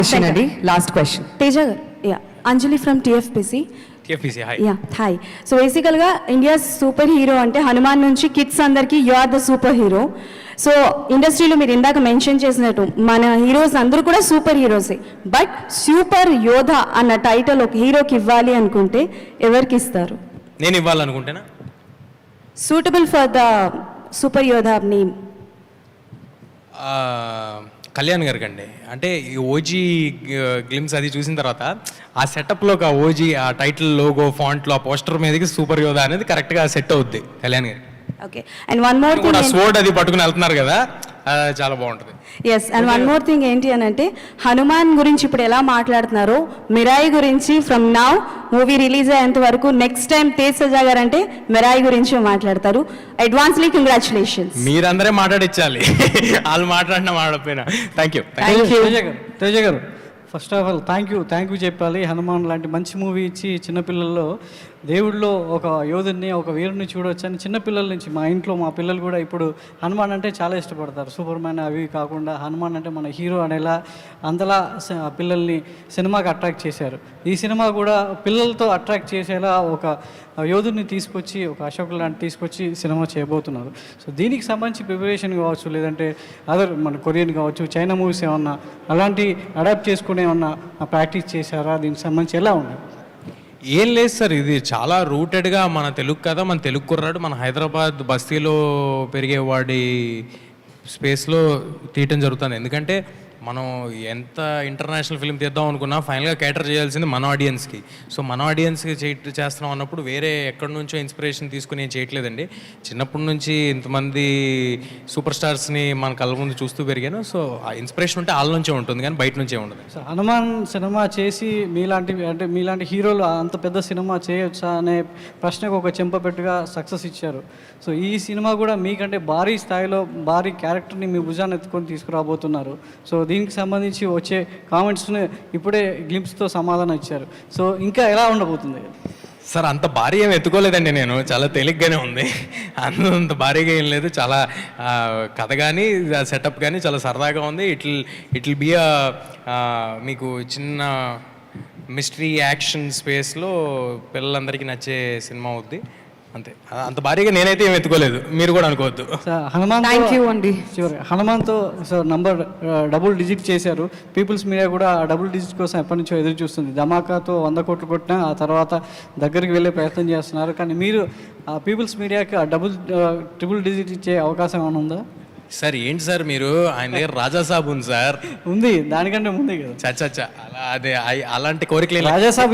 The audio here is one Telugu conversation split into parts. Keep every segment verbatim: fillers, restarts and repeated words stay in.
క్వశ్చన్ అండి, లాస్ట్ క్వశ్చన్. తేజ గారు, yeah Anjali from TFPC. TFPC hi. Yeah hi. So బేసికల్గా ఇండియా సూపర్ హీరో అంటే హనుమాన్ నుంచి కిడ్స్ అందరికీ you are the super hero. So ఇండస్ట్రీలో మీరు ఇందాక మెన్షన్ చేసినట్టు మన హీరోస్ అందరూ కూడా సూపర్ హీరోసే. బట్ సూపర్ యోధ అన్న టైటిల్ ఒక హీరోకి ఇవ్వాలి అనుకుంటే ఎవరికి ఇస్తారు? నేను ఇవ్వాలనుకుంటేనా? సూటబుల్ ఫర్ ద సూపర్ యోధ నేమ్ కళ్యాణ్ గారికి అండి. అంటే ఈ ఓజీ గ్లిమ్స్ అది చూసిన తర్వాత ఆ సెటప్లో ఒక ఓజీ ఆ టైటిల్ లోగో ఫాంట్లో ఆ పోస్టర్ మీదకి సూపర్ యోధా అనేది కరెక్ట్గా సెట్ అవుద్ది కళ్యాణ్ గారికి. Okay. And one more thing, sword అది పట్టుకుని వెళ్తున్నారు కదా, చాలా బాగుంటుంది. Yes. And one more thing ఏంటి అని అంటే, హనుమాన్ గురించి ఇప్పుడు ఎలా మాట్లాడుతున్నారో మిరాయి గురించి ఫ్రమ్ నౌ మూవీ రిలీజ్ అయ్యేంత వరకు నెక్స్ట్ టైం తేజ్ సజా గారు అంటే మిరాయి గురించి మాట్లాడతారు. Advancely congratulations. మీరందరే మాట్లాడించాలి, వాళ్ళు మాట్లాడినా మాట్లాడిపోయినా. Thank you. తేజ గారు first of all thank you thank you చెప్పాలి. హనుమాన్ లాంటి మంచి మూవీ ఇచ్చి చిన్నపిల్లల్లో దేవుడిలో ఒక యోధుని ఒక వీరుని చూడవచ్చు అని చిన్నపిల్లల నుంచి మా ఇంట్లో మా పిల్లలు కూడా ఇప్పుడు హనుమాన్ అంటే చాలా ఇష్టపడతారు. సూపర్ మ్యాన్ అవి కాకుండా హనుమాన్ అంటే మన హీరో అనేలా అంతలా పిల్లల్ని సినిమాకి అట్రాక్ట్ చేశారు. ఈ సినిమా కూడా పిల్లలతో అట్రాక్ట్ చేసేలా ఒక యోధుని తీసుకొచ్చి ఒక అశోక్ లాంటి తీసుకొచ్చి సినిమా చేయబోతున్నారు. సో దీనికి సంబంధించి ప్రిపరేషన్ కావచ్చు, లేదంటే అదర్ మన కొరియన్ కావచ్చు, చైనా మూవీస్ ఏమన్నా అలాంటి అడాప్ట్ చేసుకునే ఏమన్నా ప్రాక్టీస్ చేశారా? దీనికి సంబంధించి ఎలా ఉన్నాయి? ఏం లేదు సార్, ఇది చాలా రూటెడ్గా మన తెలుగు కదా, మన తెలుగు కుర్రాడు మన హైదరాబాద్ బస్తీలో పెరిగేవాడి స్పేస్లో తీయటం జరుగుతుంది. ఎందుకంటే మనం ఎంత ఇంటర్నేషనల్ ఫిల్మ్ తీద్దాం అనుకున్నా ఫైనల్గా క్యాటర్ చేయాల్సింది మన ఆడియన్స్కి. సో మన ఆడియన్స్కి చే చేస్తున్నాం అన్నప్పుడు వేరే ఎక్కడి నుంచో ఇన్స్పిరేషన్ తీసుకుని ఏం చేయట్లేదండి. చిన్నప్పటి నుంచి ఇంతమంది సూపర్ స్టార్స్ని మన కళ్ళ ముందు చూస్తూ పెరిగాను. సో ఆ ఇన్స్పిరేషన్ ఉంటే వాళ్ళ నుంచే ఉంటుంది, కానీ బయట నుంచే ఉండదు. సో హనుమాన్ సినిమా చేసి మీలాంటి అంటే మీలాంటి హీరోలు అంత పెద్ద సినిమా చేయొచ్చా అనే ప్రశ్నకు ఒక చెంపపెట్టుగా సక్సెస్ ఇచ్చారు. సో ఈ సినిమా కూడా మీకంటే భారీ స్థాయిలో భారీ క్యారెక్టర్ని మీ భుజాన్ని ఎత్తుకొని తీసుకురాబోతున్నారు. సో దీనికి సంబంధించి వచ్చే కామెంట్స్ని ఇప్పుడే గ్లింప్స్తో సమాధానం ఇచ్చారు. సో ఇంకా ఎలా ఉండబోతుంది? సార్ అంత భారీ ఏం ఎత్తుకోలేదండి, నేను చాలా తేలిగ్గానే ఉంది. అంత భారీగా ఏం లేదు. చాలా కథ కానీ సెటప్ కానీ చాలా సరదాగా ఉంది. It it will be a మీకు చిన్న మిస్టరీ యాక్షన్ స్పేస్లో పిల్లలందరికీ నచ్చే సినిమా అవుద్ది. అంతే, అంత భారీగా నేనైతే ఏం ఎత్తుకోలేదు, మీరు కూడా అనుకోవద్దు. హనుమాన్ థ్యాంక్ యూ అండి. చివరి హనుమాన్తో సార్ నంబర్ డబుల్ డిజిట్ చేశారు. పీపుల్స్ మీడియా కూడా ఆ డబుల్ డిజిట్ కోసం ఎప్పటి నుంచో ఎదురు చూస్తుంది. ధమాకాతో వంద కోట్లు కొట్టినా ఆ తర్వాత దగ్గరికి వెళ్ళే ప్రయత్నం చేస్తున్నారు. కానీ మీరు ఆ పీపుల్స్ మీడియాకి ఆ డబుల్ ట్రిపుల్ డిజిట్ ఇచ్చే అవకాశం ఏమైనా ఉందా? సార్ ఏంటి సార్ మీరు, ఆయన దగ్గర రాజాసాబ్ ఉంది సార్. ఉంది, దానికంటే ముందే కదా. చచ్చా అలా అదే అలాంటి కోరికలు రాజాసాబ్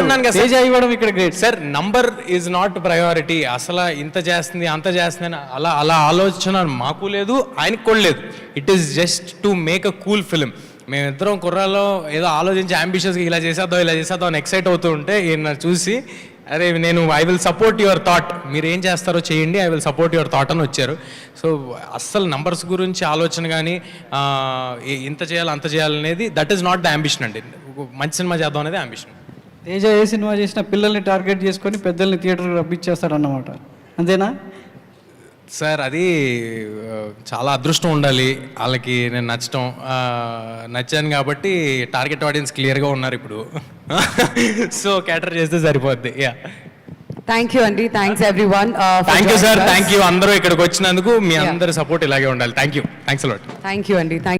ఇవ్వడం ఇక్కడ great sir. Number is not priority. అసలు ఇంత చేస్తుంది అంత చేస్తుంది అని అలా అలా ఆలోచన మాకు లేదు, ఆయనకు కూడా లేదు. It is just to make a cool film. మేమిద్దరం కుర్రాల్లో ఏదో ఆలోచించి అంబిషియస్గా ఇలా చేసేద్దాం ఇలా చేసేద్దాం అని ఎక్సైట్ అవుతూ ఉంటే ఈయన చూసి అరే నేను I will support your thought, మీరు ఏం చేస్తారో చేయండి, I will support your thought అని వచ్చారు. సో అస్సలు నంబర్స్ గురించి ఆలోచన కానీ ఇంత చేయాలి అంత చేయాలనేది that is not the ambition అండి. మంచి సినిమా చేద్దాం అనేది అంబిషన్. తేజ ఏ సినిమా చేసినా పిల్లల్ని టార్గెట్ చేసుకొని పెద్దల్ని థియేటర్కి రప్పించేస్తాడు అన్నమాట, అంతేనా? సార్ అది చాలా అదృష్టం ఉండాలి వాళ్ళకి నేను నచ్చటం. నచ్చాను కాబట్టి టార్గెట్ ఆడియన్స్ క్లియర్గా ఉన్నారు ఇప్పుడు. సో క్యాటర్ చేస్తే సరిపోద్ది. యా థ్యాంక్ యూ అండి. Thanks everyone. Thank you sir, thank you అందరూ ఇక్కడికి వచ్చినందుకు. మీ అందరి సపోర్ట్ ఇలాగే ఉండాలి. Thank you, thanks a lot. Thank you అండి.